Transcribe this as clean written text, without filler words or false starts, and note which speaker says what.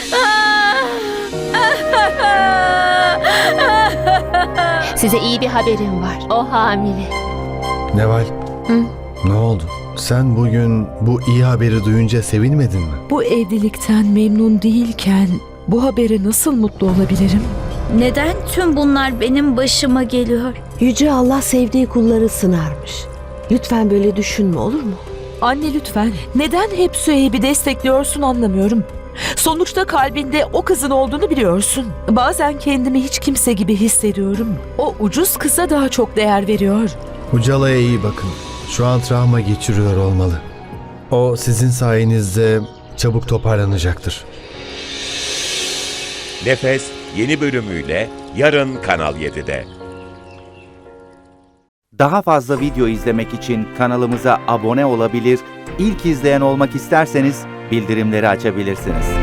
Speaker 1: Size iyi bir haberim var. O hamile.
Speaker 2: Neval,
Speaker 1: Hı?
Speaker 2: ne oldu? Sen bugün bu iyi haberi duyunca sevinmedin mi?
Speaker 3: Bu evlilikten memnun değilken bu habere nasıl mutlu olabilirim?
Speaker 4: Neden tüm bunlar benim başıma geliyor?
Speaker 5: Yüce Allah sevdiği kulları sınarmış. Lütfen böyle düşünme, olur mu?
Speaker 3: Anne lütfen. Neden hep Süheyb'i destekliyorsun anlamıyorum. Sonuçta kalbinde o kızın olduğunu biliyorsun. Bazen kendimi hiç kimse gibi hissediyorum. O ucuz kıza daha çok değer veriyor.
Speaker 2: Ucala'ya iyi bakın. Şu an travma geçiriyor olmalı. O sizin sayenizde çabuk toparlanacaktır.
Speaker 6: Nefes yeni bölümüyle yarın Kanal 7'de.
Speaker 7: Daha fazla video izlemek için kanalımıza abone olabilir, ilk izleyen olmak isterseniz bildirimleri açabilirsiniz.